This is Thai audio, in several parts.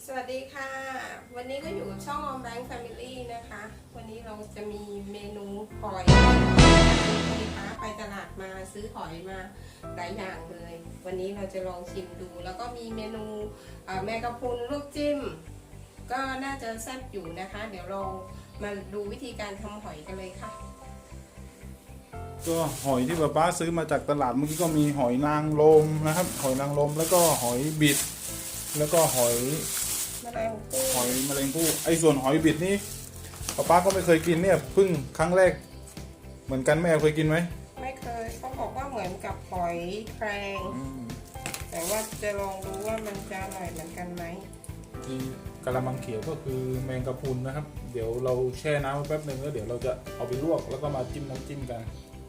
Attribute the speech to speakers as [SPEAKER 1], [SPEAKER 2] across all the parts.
[SPEAKER 1] วัสดีค่ะวันนี้ก็อยู่กับช่องออมแบงค์แฟมิลี่นะคะวันนี้เราจะมีเมนูหอยนะคะไปตลาดมาซื้อหอยมาหลายอย่างเลยวันนี้เราจะลองชิมดูแล้วก็มีเมนูแมงกะพรุนลวกจิ้มก็น่าจะแซ่บอยู่นะคะเดี๋ยวเรามาดูวิธีการทำหอยกันเลยค่ะ
[SPEAKER 2] ก็หอยที่ป้าซื้อมาจากตลาดเมื่อกี้ก็มีหอยนางรมนะครับหอยนางรมแล้วก็หอยบิดแล้วก็หอยแมลงภู่ไอ้ส่วนหอยบิดนี่ป้าก็ไม่เคยกินเนี่ยเพิ่งครั้งแรกเหมือนกันแม่เคยกินไหม
[SPEAKER 1] ไม่เคยเขาบอกว่าเหมือนกับหอยแครงแต่ว่าจะลองดูว่ามันจะอร่อยเหมือนกันไหม
[SPEAKER 2] ที่กะละมังเขียวก็คือแมงกะพรุนนะครับเดี๋ยวเราแช่น้ำไว้แป๊บนึงแล้วเดี๋ยวเราจะเอาไปลวกแล้วก็มาจิ้มน้ำจิ้มกัน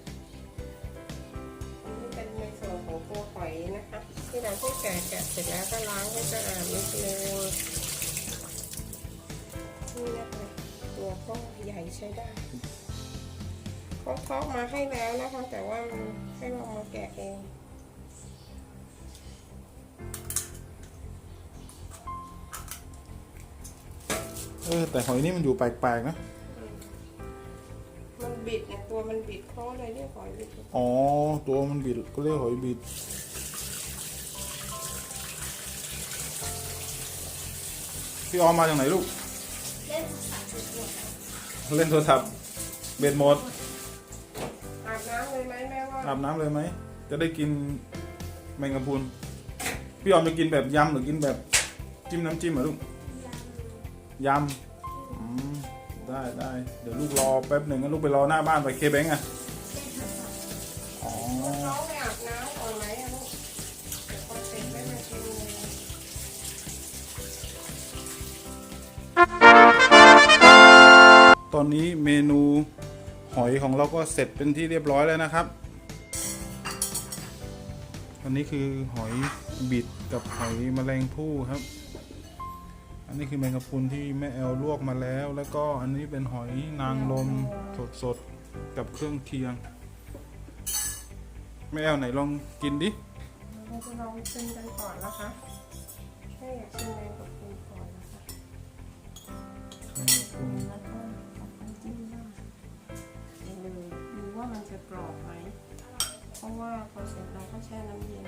[SPEAKER 1] นี่เป็นในส่วนของตัวหอยนะคะที่เราที่แกะเสร็จแล้วก็ล้างให้สะอาดนิดนึงนี่นะคะตัวก็ใหญ่ใช้ได้เขาทอดมาให้แล้วนะคะแต่ว่าให้เรามาแกะเอง
[SPEAKER 2] แต่หอยนี่มันอยู่แปลกๆนะ
[SPEAKER 1] มันบิดเนี่ยตัวมันบิดเขาเลยเรียกหอยบิด
[SPEAKER 2] อ๋อตัวมันบิดก็เรียกหอยบิดพี่ออมมาจากไหนลูกเล่นโทรศัพท์เบ็ดหมด
[SPEAKER 1] อาบน้ำเลยไหมแม่ว่า
[SPEAKER 2] อาบน้ำเลยไหมจะได้กินแมงกะพรุนพี่ออมจะกินแบบยำหรือกินแบบจิ้มน้ำจิ้มเหรอลูกยำได้เดี๋ยวลูกรอแป๊บหนึ่งงั้นลูกไปรอหน้าบ้านไปเคแบงก์อ๋อ
[SPEAKER 1] น้องไปอาบน้ำก่อนไหมลูกเดี๋ยวพอเสร็จได้มากิน
[SPEAKER 2] ตอนนี้เมนูหอยของเราก็เสร็จเป็นที่เรียบร้อยแล้วนะครับอันนี้คือหอยบิดกับหอยแมลงภู่ครับอันนี้คือแมงกะพรุนที่แม่แอลลวกมาแล้วแล้วก็อันนี้เป็นหอยนางรมสดๆกับเครื่องเคียงแม่แอลไหนลองกินดิ
[SPEAKER 1] เราจะลองชิมกันก่อนนะคะให้อยากชิมแมงกะพรุนก่อนนะคะ
[SPEAKER 2] แมงกะพรุน
[SPEAKER 1] แล้วก็เอาไปจิ้มหน้าเลยดูว่ามันจะกรอบไหมเพราะว่าพอเสร็จเราก็แช่น้ำเย็น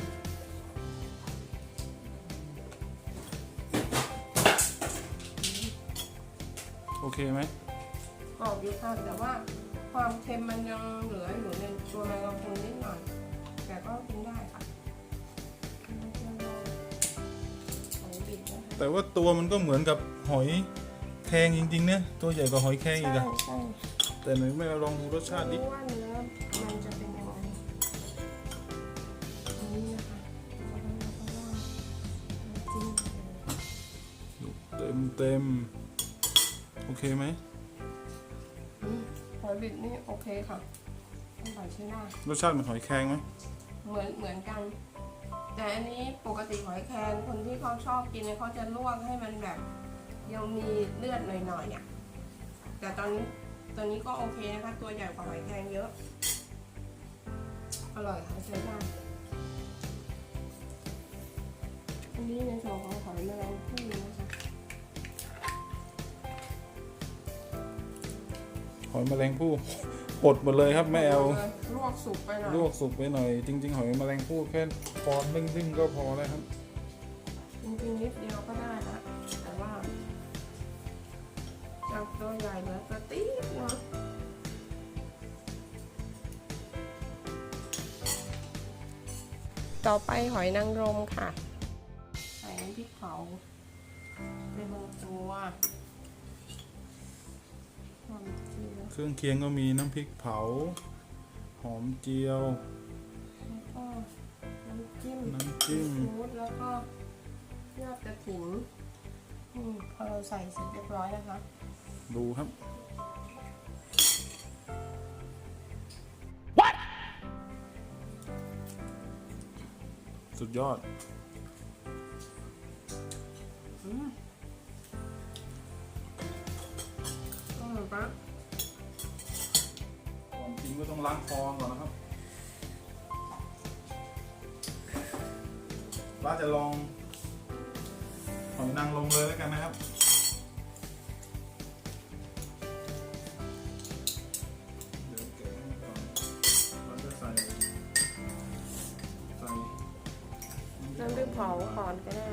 [SPEAKER 2] โอเคไหม
[SPEAKER 1] กรอบอยู่ค่ะแต่ว่าความเค็มมันยังเหลืออยู่ในตัวแมงกะพรุนนิดหน่อยแต่ก็กินได้ค่ะ
[SPEAKER 2] แต่ว่าตัวมันก็เหมือนกับหอยแครงจริงๆเนี่ยตัวใหญ่กว่าหอยแครงอีกอะแต่หนูไม่ลองดูรสชาติดิ
[SPEAKER 1] ว่าเนื้อมันจะเป็นยังไงนี่นะคะ
[SPEAKER 2] เต็มโอเคไหม
[SPEAKER 1] หอยบิดนี่โอเคค่ะอร่อยใช่ไหม
[SPEAKER 2] รสชาติเหมือนหอยแครงไหม
[SPEAKER 1] เหมือนกันแต่อันนี้ปกติหอยแครงคนที่เขาชอบกินเนี่ยเขาจะลวกให้มันแบบยังมีเลือดหน่อยๆอ่ะแต่ตอนนี้ก็โอเคนะคะตัวใหญ่กว่าหอยแครงเยอะอร่อยค่ะใช้ได้อันนี้ในส่วนของหอยแมลงภู่นะคะ
[SPEAKER 2] หอยแมลงภู่ปดหมดเลยครับแม่แอล
[SPEAKER 1] ลวกสุกไปหน่
[SPEAKER 2] อยจริงๆหอยแมลงภู่แค่ฟอนนึ่งก็พอแล้วครับ
[SPEAKER 1] จริงๆนิดเดียวก็ได้ละแต่ว่าจากตัวใหญ่เหลือตัวติ๊ดเนาะต่อไปหอยนางรมค่ะใส่น้ำพริกเผาไปบางตัว
[SPEAKER 2] เครื่องเคียงก็มีน้ำพริกเผาหอมเจียว
[SPEAKER 1] แล้วก็น้ำจิ้มแล้วก็ยอดกระถิ่นพอเราใส่เสร็จเรียบร้อยนะคะ
[SPEAKER 2] ดูครับ สุดยอดก่อนกินก็ต้องล้างคอก่อนนะครับป้าจะลองหอยนางรมเลยแล้วกันนะครับเดี๋ยวเก็บก่อนเราจะใส่
[SPEAKER 1] น้ำพริกเผาก่อนก็ได้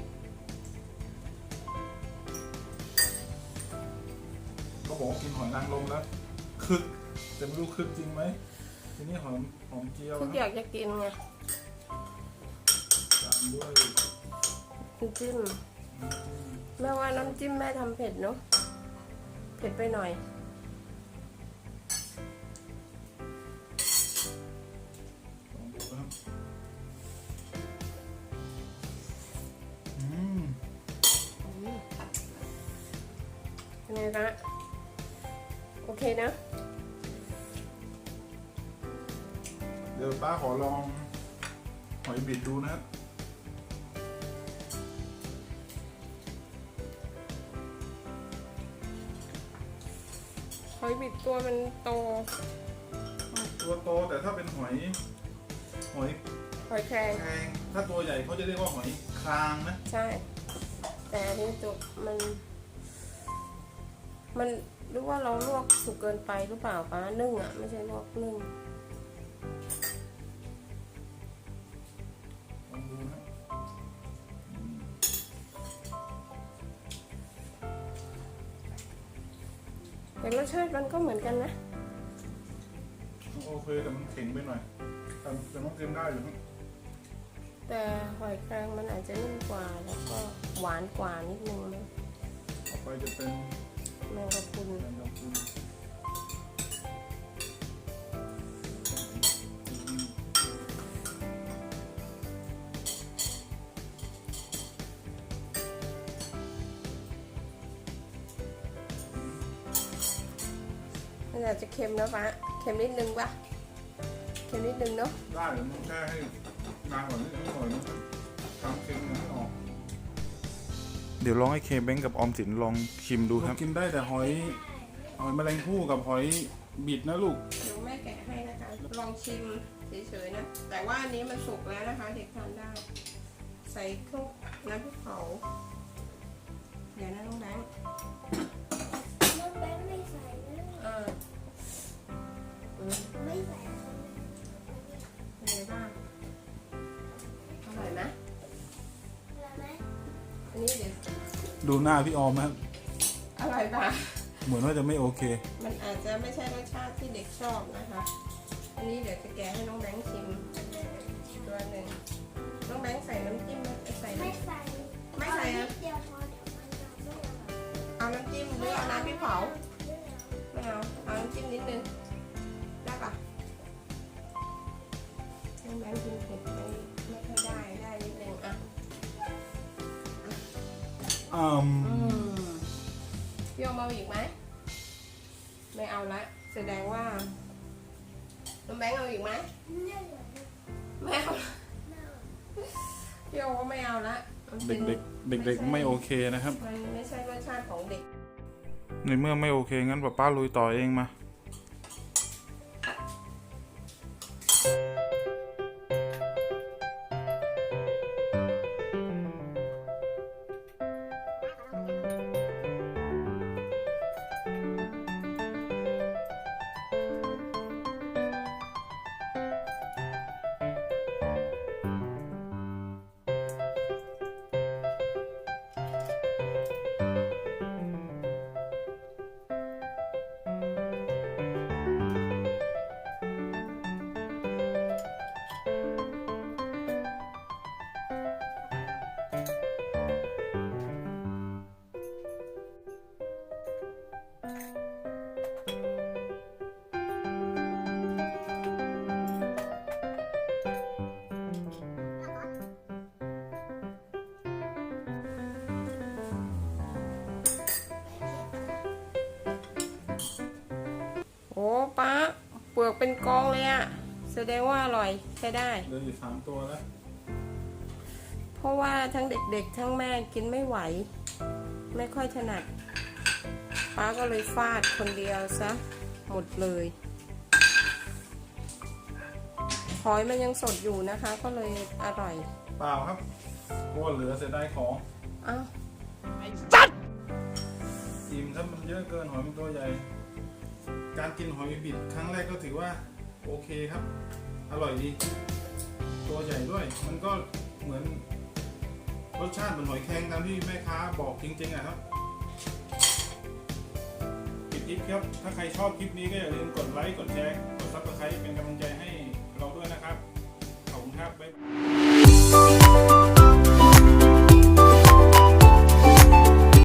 [SPEAKER 2] เขาบอกว่ากินหอยนางรมแล้วคึกแต่ไม่รู้คึกจริงไหมทีนี้หอมเจียว
[SPEAKER 1] ทุกอยากจะกินไง
[SPEAKER 2] ตามด้วย
[SPEAKER 1] น้ำจิ้มแม่ว่าน้ำจิ้มแม่ทำเผ็ดเนาะเผ็ดไปหน่อย
[SPEAKER 2] ลองดูนะครับ
[SPEAKER 1] เป็นไงคะโอเคนะ
[SPEAKER 2] เดี๋ยวป้าขอลองหอยบิดดูนะครับ
[SPEAKER 1] หอยบิดตัวมันโต
[SPEAKER 2] ตัวโตแต่ถ้าเป็นหอย
[SPEAKER 1] หอยแครง
[SPEAKER 2] แครงถ้าตัวใหญ่เขาจะเรียกว่าหอยครางนะ
[SPEAKER 1] ใช่ แต่อันนี้ตัวมันรู้ว่าเราลวกสุกเกินไปหรือเปล่าป้านึ่งอ่ะไม่ใช่ลวกนึ่ง
[SPEAKER 2] ลองดูนะ
[SPEAKER 1] แต่รสชาติมันก็เหมือนกันนะ
[SPEAKER 2] โอเคแต่มันแข็งไปหน่อยแต่ต้องกินได้อยู่ครับ
[SPEAKER 1] แต่หอยแครงมันอาจจะนิ่มกว่าแล้วก็หวานกว่านิดนึงนะ
[SPEAKER 2] ต่อไปจะเป็น
[SPEAKER 1] แมงกะพรุน
[SPEAKER 2] แมงกะพรุน
[SPEAKER 1] มันอาจจะเค็มนะป้าเค็มนิดนึงปะเค็มนิดนึงเนาะ
[SPEAKER 2] ได้หรือมันแค่ให้นานกว่านี้นิดหน่อยนะครับทำเค็มยังไม่ออกเดี๋ยวลองให้เคเบ้งกับออมสินลองชิมดูครับกินได้แต่หอยแมลงภู่กับหอยบิดนะลูก
[SPEAKER 1] เดี๋ยวแม่แกะให้นะคะลองชิมเฉยๆนะแต่ว่าอันนี้มันสุกแล้วนะคะเด็กทานได้ ใส่เครื่องน้ำพริกเผาเดี๋ยวนะน้องแบงค์
[SPEAKER 3] น้องแบงค์ไม่ใส่นะ ไม่ใส่
[SPEAKER 1] เป็นไงบ้างอร่อยไหม
[SPEAKER 3] อะไรไหม
[SPEAKER 1] อันนี้เดี๋ยว
[SPEAKER 2] ดูหน้าพี่ออมนะครับ
[SPEAKER 1] อร่อยปะ
[SPEAKER 2] เหมือนว่าจะไม่โอเค
[SPEAKER 1] มันอาจจะไม่ใช่รสชาติที่เด็กชอบนะคะ อันนี้เดี๋ยวจะแกะให้น้องแบงค์ชิมตัวหนึ่งน้องแบงค์ใส่น้ำจิ้มไหมใส่
[SPEAKER 3] ไม่
[SPEAKER 1] น้ำ
[SPEAKER 3] ใส่
[SPEAKER 1] ไม่ใส่
[SPEAKER 3] นิ
[SPEAKER 1] อะ
[SPEAKER 3] ดเดียวพอเดี๋ยวมันจะไม่อร่อย
[SPEAKER 1] เอาน้ำจิ้มหรือเอาน้ำพริกเผาไม่เอาเอาน้ำจิ้มนิดนึงได้ปะน้องแบงค์กินเผ็ดไม่ค่อยได้นิดนึงอ่ะพี่โอมเอาอีกไหมไม่เอาละแสดงว่าน้องแบงค์เอาอีกไหม
[SPEAKER 3] ไม่เหลือ
[SPEAKER 1] ไม่เอาพี่โอก็ไม่เอาละมันป็น
[SPEAKER 2] เด็กๆไม่โอเคนะครับ
[SPEAKER 1] มันไม่ใช่รสชาติของเด็ก
[SPEAKER 2] ในเมื่อไม่โอเคงั้นป้าลุยต่อเองมา
[SPEAKER 1] โอ้ป้าเปลือกเป็นกองเลยอะแสดงว่าอร่อยใช้ได้
[SPEAKER 2] เหลืออยู่3 ตัวแล้ว
[SPEAKER 1] เพราะว่าทั้งเด็กๆ ทั้งแม่กินไม่ไหว ไม่ค่อยถนัดป้าก็เลยฟาดคนเดียวซะหมดเลยหอยมันยังสดอยู่นะคะ ก็เลยอร่อย
[SPEAKER 2] เปล่าครับเพราะว่าเหลือเสียดายของ
[SPEAKER 1] อ้าว
[SPEAKER 2] อะเกินหอยมันตัวใหญ่ การกินหอยบิดครั้งแรกก็ถือว่าโอเคครับ อร่อยดี ตัวใหญ่ด้วย มันก็เหมือนรสชาติเหมือนหอยแครงตามที่แม่ค้าบอกจริงๆอะครับปิดคลิปครับ ถ้าใครชอบคลิปนี้ก็อย่าลืมกดไลค์ กดแชร์ กดซับสไครป์เป็นกำลังใจให้